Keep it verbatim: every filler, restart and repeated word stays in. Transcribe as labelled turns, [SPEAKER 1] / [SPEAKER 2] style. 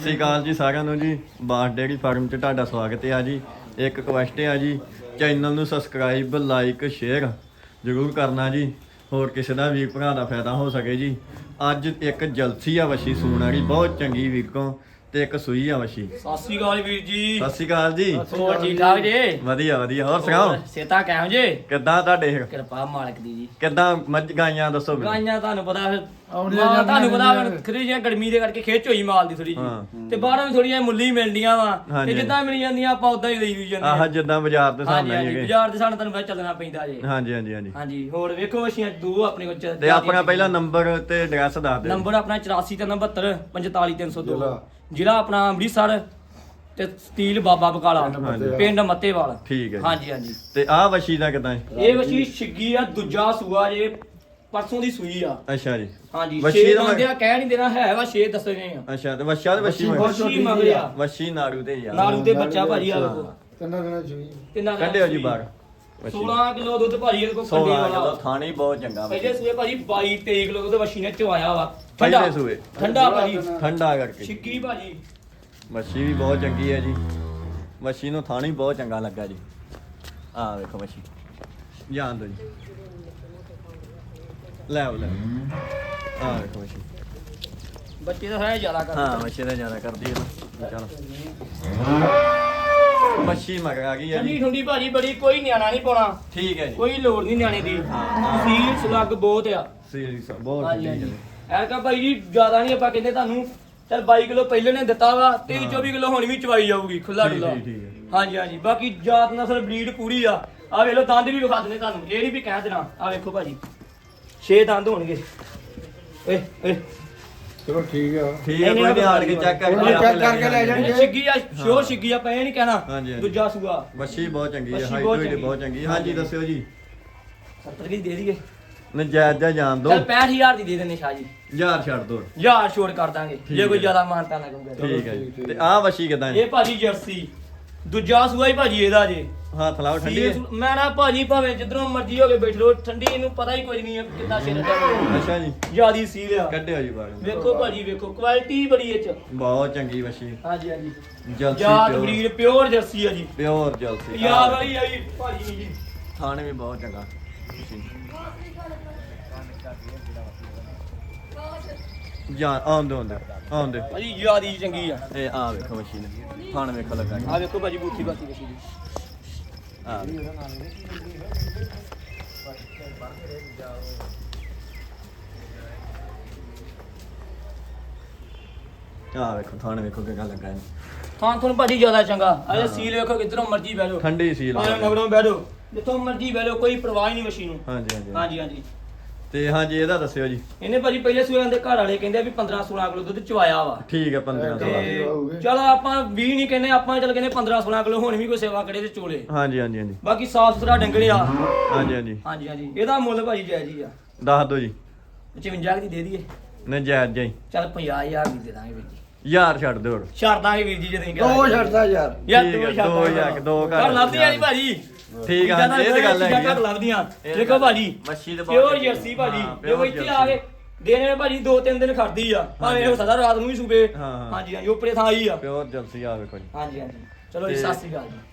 [SPEAKER 1] ਸਤਿ ਸ਼੍ਰੀ ਅਕਾਲ ਜੀ ਸਾਰਿਆਂ ਨੂੰ ਜੀ। ਬਾਸ ਡੇਅਰੀ ਫਾਰਮ 'ਚ ਤੁਹਾਡਾ ਸਵਾਗਤ ਹੈ ਜੀ। ਇੱਕ ਰਿਕੁਐਸਟ ਹੈ ਜੀ, ਚੈਨਲ ਨੂੰ ਸਬਸਕ੍ਰਾਈਬ ਲਾਈਕ ਸ਼ੇਅਰ ਜ਼ਰੂਰ ਕਰਨਾ ਜੀ, ਹੋਰ ਕਿਸੇ ਦਾ ਵੀ ਭਰਾ ਦਾ ਫਾਇਦਾ ਹੋ ਸਕੇ ਜੀ। ਅੱਜ ਇੱਕ ਜਲਸੀ ਆ ਵਸ਼ੀ ਸੂਣ ਵਾਲੀ, ਬਹੁਤ ਚੰਗੀ ਵੀਰੋਂ, ਤੇ ਇੱਕ ਸੂਈ ਆ ਵਸ਼ੀ।
[SPEAKER 2] ਸਤਿ ਸ਼੍ਰੀ ਅਕਾਲ ਵੀਰ ਜੀ।
[SPEAKER 1] ਸਤਿ ਸ਼੍ਰੀ ਅਕਾਲ ਜੀ।
[SPEAKER 2] ਹੋਰ ਠੀਕ ਠਾਕ ਜੀ?
[SPEAKER 1] ਵਧੀਆ ਵਧੀਆ। ਹੋਰ ਸੁਣਾਓ
[SPEAKER 2] ਸੇਤਾ ਕਿਹੋ ਜੇ?
[SPEAKER 1] ਕਿੱਦਾਂ ਤੁਹਾਡੇ
[SPEAKER 2] ਕਿਰਪਾ ਮਾਲਕ ਦੀ ਜੀ।
[SPEAKER 1] ਕਿੱਦਾਂ ਮੱਝ ਗਾਈਆਂ ਦੱਸੋ ਮੈਨੂੰ।
[SPEAKER 2] ਗਾਈਆਂ ਤੁਹਾਨੂੰ ਪਤਾ ਫਿਰ ਮਾਂ ਤੁਹਾਨੂੰ ਪਤਾ ਖਰੀ ਜਿਹਾ ਗਰਮੀ ਦੇ ਕਰਕੇ ਖੇਚ ਹੋਈ ਮਾਲ ਦੀ ਥੋੜੀ ਜੀ, ਤੇ ਬਾਹਰੋਂ ਵੀ ਥੋੜੀਆਂ ਮੁੱਲੀ ਮਿਲਦੀਆਂ ਵਾ, ਤੇ ਜਿੱਦਾਂ ਮਿਲ ਜਾਂਦੀਆਂ ਆਪਾਂ ਉਦਾਂ ਹੀ ਲਈ ਹੋਈ ਜਾਂਦੇ
[SPEAKER 1] ਆਹ ਜਿੱਦਾਂ ਬਾਜ਼ਾਰ ਦੇ ਸਾਹਮਣੇ
[SPEAKER 2] ਹਾਂਜੀ
[SPEAKER 1] ਹੈਗੇ।
[SPEAKER 2] ਬਾਜ਼ਾਰ ਦੇ ਸਾਨੂੰ ਤੁਹਾਨੂੰ ਪਤਾ ਚੱਲਣਾ ਪੈਂਦਾ ਜੀ।
[SPEAKER 1] ਹਾਂਜੀ ਹਾਂਜੀ ਹਾਂਜੀ
[SPEAKER 2] ਹਾਂਜੀ ਹੋਰ ਵੇਖੋ ਵਸ਼ੀਆਂ ਦੋ ਆਪਣੇ ਕੋਲ।
[SPEAKER 1] ਤੇ ਆਪਣਾ ਪਹਿਲਾ ਨੰਬਰ ਤੇ ਐਡਰੈਸ ਦੱਸ ਦਿਓ।
[SPEAKER 2] ਨੰਬਰ ਆਪਣਾ ਚੁਰਾਸੀ ਤਿੰਨ ਬਹੱਤਰ ਪੰਤਾਲੀ ਤਿੰਨ ਸੌ ਦੋ, ਜ਼ਿਲ੍ਹਾ ਆਪਣਾ ਅੰਮ੍ਰਿਤਸਰ, ਤੇ ਸਟੀਲ ਬਾਬਾ ਬਕਾਲਾ, ਪਿੰਡ ਮੱਤੇਵਾਲ।
[SPEAKER 1] ਠੀਕ ਹੈ ਜੀ।
[SPEAKER 2] ਹਾਂਜੀ ਹਾਂਜੀ।
[SPEAKER 1] ਤੇ ਆਹ ਵਸ਼ੀ ਦਾ ਕਿਦਾਂ ਹੈ?
[SPEAKER 2] ਇਹ ਵਸ਼ੀ ਛਿੱਗੀ ਆ, ਦੂਜਾ ਸੂਆ ਜੇ, ਪਰਸੋਂ ਦੀ ਸੂਈ ਆ।
[SPEAKER 1] ਅੱਛਾ ਜੀ।
[SPEAKER 2] ਹਾਂਜੀ
[SPEAKER 1] ਵਸ਼ੀ
[SPEAKER 2] ਛੇ
[SPEAKER 1] ਦਾ
[SPEAKER 2] ਮੰਗਦੇ ਆ, ਕਹਿ ਨਹੀਂ ਦੇਣਾ ਹੈ ਵਾ, ਛੇ ਦੱਸੇ ਗਏ ਆ।
[SPEAKER 1] ਅੱਛਾ ਤੇ ਵਸ਼ਾ ਤੇ ਵਸ਼ੀ
[SPEAKER 2] ਵਸ਼ੀ ਮੰਗਦੇ ਆ।
[SPEAKER 1] ਵਸ਼ੀ ਨਾੜੂ ਤੇ ਯਾਰ
[SPEAKER 2] ਨਾੜੂ ਦੇ ਬੱਚਾ ਭਾਜੀ ਆ ਵੇਖੋ।
[SPEAKER 3] ਤਿੰਨਾਂ ਦਿਨਾਂ ਚ
[SPEAKER 2] ਤਿੰਨਾਂ ਦਾ
[SPEAKER 1] ਕੱਢਿਓ ਜੀ ਬਾਹਰ।
[SPEAKER 2] ਸੋਲਾਂ ਕਿਲੋ ਦੁੱਧ ਭਾਜੀ ਇਹਦੇ ਕੋਲ ਕੱਢੇ
[SPEAKER 1] ਸੋਲਾਂ ਕਿਲੋ
[SPEAKER 2] ਵਾਲਾ।
[SPEAKER 1] ਥਾਣੀ ਬਹੁਤ ਚੰਗਾ ਵਾ।
[SPEAKER 2] ਪਹਿਲੇ ਸੂਏ ਭਾਜੀ ਬਾਈ ਤੇਈ ਕਿਲੋ ਦੁੱਧ ਵਸ਼ੀ ਨੇ ਚਵਾਇਆ ਵਾ।
[SPEAKER 1] ਪਹਿਲੇ ਸੂਏ
[SPEAKER 2] ਠੰਡਾ ਭਾਜੀ,
[SPEAKER 1] ਠੰਡਾ ਕਰਕੇ।
[SPEAKER 2] ਛਿੱਗੀ ਭਾਜੀ
[SPEAKER 1] ਵਸ਼ੀ ਵੀ ਬਹੁਤ ਚੰਗੀ ਹੈ ਜੀ। ਵਸ਼ੀ ਨੂੰ ਥਾਣੀ ਬਹੁਤ ਚੰਗਾ ਲੱਗਾ ਜੀ। ਆਹ ਵੇਖੋ ਵਸ਼ੀ ਜਾਣ ਦੋ ਜੀ। ਲੈ ਆਓ ਲੈ ਆਓ। ਆਹ ਵੇਖੋ ਵਸ਼ੀ।
[SPEAKER 2] ਬੱਚੇ ਤਾਂ ਹੈ ਜ਼ਿਆਦਾ ਕਰ।
[SPEAKER 1] ਹਾਂ ਵਸ਼ੀ ਦਾ ਜ਼ਿਆਦਾ ਕਰਦੀ ਹੈ ਨਾ। ਚਲੋ ਵਸ਼ੀ ਮਗਰ ਆ ਗਈ ਹੈ
[SPEAKER 2] ਠੰਡੀ
[SPEAKER 1] ਜੀ।
[SPEAKER 2] ਠੰਡੀ ਭਾਜੀ ਬੜੀ, ਕੋਈ ਨਿਆਣਾ ਨਹੀਂ ਪਾਉਣਾ,
[SPEAKER 1] ਠੀਕ ਹੈ ਜੀ।
[SPEAKER 2] ਕੋਈ ਲੋੜ ਨਹੀਂ ਨਿਆਣੇ ਦੀ। ਸੀਲ ਸੁਲੱਗ ਬਹੁਤ ਆ।
[SPEAKER 1] ਸੀਰੀਅਸ ਬਹੁਤ
[SPEAKER 2] ਹਾਂਜੀ
[SPEAKER 1] ਠੀਕ
[SPEAKER 2] ਹਾਂਜੀ।
[SPEAKER 1] ਹੈ।
[SPEAKER 2] ਐਰਕਾ ਭਾਈ ਜੀ ਜ਼ਿਆਦਾ ਨਹੀਂ ਆਪਾਂ ਕਹਿੰਦੇ ਤੁਹਾਨੂੰ, ਚਲ ਬਾਈ ਕਿਲੋ ਪਹਿਲੇ ਨੇ ਦਿੱਤਾ ਵਾ, ਤੇਈ ਚੌਵੀ ਕਿਲੋ ਹੁਣ ਵੀ ਚਵਾਈ ਜਾਊਗੀ ਖੁੱਲਾ
[SPEAKER 1] ਠੀਕ
[SPEAKER 2] ਡੁੱਲਾ।
[SPEAKER 1] ਠੀਕ ਠੀਕ ਹੈ।
[SPEAKER 2] ਹਾਂਜੀ ਹਾਂਜੀ। ਬਾਕੀ ਜਾਤ ਨਸਲ ਬਰੀਡ ਪੂਰੀ ਆ। ਆ ਵੇਖ ਲੋ ਦੰਦ ਵੀ ਵਿਖਾ ਦਿੰਦੇ ਤੁਹਾਨੂੰ, ਇਹ ਨਹੀਂ ਵੀ ਕਹਿ ਦੇਣਾ। ਆ ਵੇਖੋ ਭਾਜੀ ਛੇ ਦੰਦ ਹੋਣਗੇ। ਏ ਏ
[SPEAKER 3] ਚਲੋ ਠੀਕ ਆ।
[SPEAKER 1] ਠੀਕ ਹੈ, ਕੋਈ ਨਹੀਂ ਆਣ ਕੇ ਚੈੱਕ ਕਰਕੇ
[SPEAKER 3] ਚੈੱਕ ਕਰਕੇ ਲੈ ਜਾਣਗੇ।
[SPEAKER 2] ਛਿੱਗੀ ਆ, ਸ਼ੋਰ ਛਿੱਗੀ ਆ, ਆਪਾਂ ਇਹ ਨਹੀਂ ਕਹਿਣਾ।
[SPEAKER 1] ਹਾਂਜੀ, ਹਾਂਜੀ।
[SPEAKER 2] ਦੂਜਾ ਸੂਆ
[SPEAKER 1] ਵਸ਼ੀ ਬਹੁਤ ਚੰਗੀ ਹੈ,
[SPEAKER 2] ਵਸ਼ੀ
[SPEAKER 1] ਹਾਈਟ
[SPEAKER 2] ਬਹੁਤ
[SPEAKER 1] ਵੀ
[SPEAKER 2] ਚੰਗੀ।
[SPEAKER 1] ਬਹੁਤ ਚੰਗੀ ਹੈ। ਹਾਂਜੀ ਦੱਸਿਓ ਜੀ।
[SPEAKER 2] ਸੱਤਰ ਦੀ ਦੇ ਦਈਏ?
[SPEAKER 1] ਨਜਾਇਜ਼ ਜਾਂ ਜਾਣ ਦੋ।
[SPEAKER 2] ਚਲ ਪੈਂਹਠ ਹਜ਼ਾਰ ਦੀ ਦੇ ਦਿੰਦੇ ਸ਼ਾਹ ਜੀ।
[SPEAKER 1] ਯਾਰ ਛੱਡ ਦੋ।
[SPEAKER 2] ਹਜ਼ਾਰ ਛੋੜ ਕਰ ਦਾਂਗੇ
[SPEAKER 1] ਠੀਕ
[SPEAKER 2] ਜੇ ਕੋਈ
[SPEAKER 1] ਹੈ।
[SPEAKER 2] ਜ਼ਿਆਦਾ ਮਾਨਤਾ ਨਾ ਕਰੂਗਾ।
[SPEAKER 1] ਠੀਕ ਹੈ ਜੀ। ਤੇ ਆਹ ਵਸ਼ੀ ਕਿਦਾਂ
[SPEAKER 2] ਇਹ ਭਾਜੀ ਜਰਸੀ ਦੂਜਾ ਸੂਆ ਹੀ ਭਾਜੀ ਇਹਦਾ ਜੇ।
[SPEAKER 1] ਹੱਥ ਲਾਓ ਠੰਡੀ ਹੈ।
[SPEAKER 2] ਮੈਂ ਨਾ ਭਾਜੀ ਭਾਵੇਂ ਜਿੱਧਰੋਂ ਮਰਜ਼ੀ ਹੋ ਕੇ ਬੈਠ ਲੋ, ਠੰਡੀ ਇਹਨੂੰ ਪਤਾ ਹੀ ਕੋਈ ਨਹੀਂ ਹੈ ਕਿੰਨਾ ਸਿਰ ਦਾ।
[SPEAKER 1] ਅੱਛਾ ਜੀ।
[SPEAKER 2] ਜਿਆਦੀ ਸੀਲ ਆ।
[SPEAKER 1] ਕੱਢਿਓ ਜੀ ਬਾਹਰ।
[SPEAKER 2] ਵੇਖੋ ਭਾਜੀ ਵੇਖੋ, ਕੁਆਲਿਟੀ ਬੜੀ ਇਹ ਚ।
[SPEAKER 1] ਬਹੁਤ ਚੰਗੀ ਵਸ਼ੀ।
[SPEAKER 2] ਹਾਂਜੀ ਹਾਂਜੀ।
[SPEAKER 1] ਜਲਸੀ
[SPEAKER 2] ਜਾਤ
[SPEAKER 1] ਪਿਓਰ
[SPEAKER 2] ਬਰੀਡ ਪਿਓਰ ਜਰਸੀ ਆ ਜੀ।
[SPEAKER 1] Pure jealousy.
[SPEAKER 2] ਯਾਰ ਵਾਲੀ ਆ ਜੀ ਭਾਜੀ ਜੀ।
[SPEAKER 1] ਥਾਣੇ ਵੀ ਬਹੁਤ ਚੰਗਾ। ਜਾਂ ਆਉਂਦੇ ਆਉਂਦੇ ਆਉਂਦੇ
[SPEAKER 2] ਭਾਜੀ ਜਿਆਦੀ ਚੰਗੀ ਆ।
[SPEAKER 1] ਇਹ ਆ ਵੇਖੋ ਵਸ਼ੀ ਨੇ ਥਾਣ ਵੇਖੋ ਲੱਗਾ ਜੀ।
[SPEAKER 2] ਆ ਵੇਖੋ ਭਾਜੀ ਬੂਥੀ ਬਾਤੀ ਵਸ਼ੀ ਦੀ।
[SPEAKER 1] ਆ ਆ ਵੇਖੋ ਥਾਣ ਵੇਖੋ ਕਿੰਨਾ ਲੱਗਾ ਇਹਨੂੰ।
[SPEAKER 2] ਥਾਂ ਤੁਹਾਨੂੰ ਭਾਜੀ ਜ਼ਿਆਦਾ ਚੰਗਾ। ਆ ਸੀਲ ਵੇਖੋ ਕਿੱਧਰੋਂ ਮਰਜ਼ੀ ਬਹਿ ਲਓ।
[SPEAKER 1] ਠੰਡੀ ਸੀਲ।
[SPEAKER 2] ਆਹ ਨਗਰੋਂ ਬਹਿ ਲਓ, ਜਿੱਥੋਂ ਮਰਜ਼ੀ ਬਹਿ ਲਓ, ਕੋਈ ਪਰਵਾਹ ਹੀ ਨਹੀਂ ਵਸ਼ੀ ਨੂੰ।
[SPEAKER 1] ਹਾਂਜੀ ਹਾਂਜੀ
[SPEAKER 2] ਹਾਂਜੀ ਹਾਂਜੀ।
[SPEAKER 1] ਤੇ ਹਾਂਜੀ ਇਹਦਾ ਦੱਸਿਓ ਜੀ।
[SPEAKER 2] ਇਹਨੇ ਭਾਜੀ ਪਹਿਲੇ ਸੂਏ ਦੇ ਘਰ ਵਾਲੇ ਕਹਿੰਦੇ ਵੀ ਪੰਦਰਾਂ ਸੋਲਾਂ ਕਿਲੋ ਦੁੱਧ ਚਵਾਇਆ ਵਾ।
[SPEAKER 1] ਠੀਕ ਹੈ ਪੰਦਰਾਂ ਸੋਲਾਂ।
[SPEAKER 2] ਤੇ ਚਲ ਆਪਾਂ ਵੀਹ ਨਹੀਂ ਕਹਿੰਦੇ, ਆਪਾਂ ਚਲ ਕਹਿੰਦੇ ਪੰਦਰਾਂ ਸੋਲਾਂ ਕਿਲੋ ਹੁਣ ਵੀ ਕੋਈ ਸੇਵਾ ਕਰੇ ਤੇ ਚੋਲੇ।
[SPEAKER 1] ਹਾਂਜੀ ਹਾਂਜੀ ਹਾਂਜੀ
[SPEAKER 2] ਬਾਕੀ ਸਾਫ ਸੁਥਰਾ ਡੰਗੜੇ ਆ।
[SPEAKER 1] ਹਾਂਜੀ ਹਾਂਜੀ
[SPEAKER 2] ਹਾਂਜੀ ਹਾਂਜੀ। ਇਹਦਾ ਮੁੱਲ ਭਾਜੀ ਜਾਇਜ਼ ਹੀ ਆ।
[SPEAKER 1] ਦੱਸ ਦਿਓ ਜੀ।
[SPEAKER 2] ਪਚਵੰਜਾ ਦੀ ਦੇ ਦਈਏ?
[SPEAKER 1] ਨਜਾਇਜ਼ ਜਾਈ
[SPEAKER 2] ਚਲ ਪੰਜਾਹ ਹਜ਼ਾਰ ਦੀ ਦੇ ਦਾਂਗੇ ਵੀਰ ਜੀ।
[SPEAKER 1] ਯਾਰ ਛੱਡ ਦਿਓ ਹੁਣ।
[SPEAKER 2] ਛੱਡ ਦਾਂਗੇ ਵੀਰ ਜੀ ਜੇ ਤੁਸੀਂ
[SPEAKER 3] ਦੋ ਛੱਡਦਾ ਯਾਰ।
[SPEAKER 2] ਯਾਰ
[SPEAKER 1] ਠੀਕ
[SPEAKER 2] ਦੋ
[SPEAKER 1] ਹੈ,
[SPEAKER 2] ਛੱਡ
[SPEAKER 1] ਦੋ ਹਜ਼ਾਰ, ਦੋ ਘਰ
[SPEAKER 2] ਘਰ ਲੱਭਦੀਆਂ ਨਹੀਂ ਭਾਜੀ।
[SPEAKER 1] ਠੀਕ ਆ, ਹਾਂਜੀ, ਇਹ ਤੇ ਗੱਲ ਹੈਗੀ ਆ।
[SPEAKER 2] ਘਰ ਲੱਭਦੀਆਂ। ਦੇਖੋ ਭਾਜੀ
[SPEAKER 1] ਮੱਛੀ ਤੇ ਬਹੁਤ
[SPEAKER 2] ਪਿਓਰ
[SPEAKER 1] ਚੰਗੀ ਆ।
[SPEAKER 2] ਜਰਸੀ ਭਾਜੀ।
[SPEAKER 1] ਹਾਂ,
[SPEAKER 2] ਜੇ ਉਹ
[SPEAKER 1] pure
[SPEAKER 2] ਇੱਥੇ
[SPEAKER 1] ਜਰਸੀ।
[SPEAKER 2] ਆ ਕੇ ਦੇਣੇ ਭਾਜੀ ਦੋ ਤਿੰਨ ਦਿਨ ਖੜਦੀ ਆ, ਭਾਵੇਂ ਹੋ ਸਕਦਾ ਰਾਤ ਨੂੰ ਵੀ ਸੂਬੇ।
[SPEAKER 1] ਹਾਂ, ਹਾਂ।
[SPEAKER 2] ਹਾਂਜੀ ਹਾਂਜੀ। ਉੱਪਰੇ ਥਾਂ ਆਈ ਆ।
[SPEAKER 1] ਪਿਓਰ ਜਲਸੀ ਆ ਵੇਖੋ ਜੀ।
[SPEAKER 2] ਹਾਂਜੀ ਹਾਂਜੀ। ਚਲੋ ਜੀ
[SPEAKER 1] ਤੇ-
[SPEAKER 2] ਸਤਿ ਸ੍ਰੀ ਅਕਾਲ ਜੀ।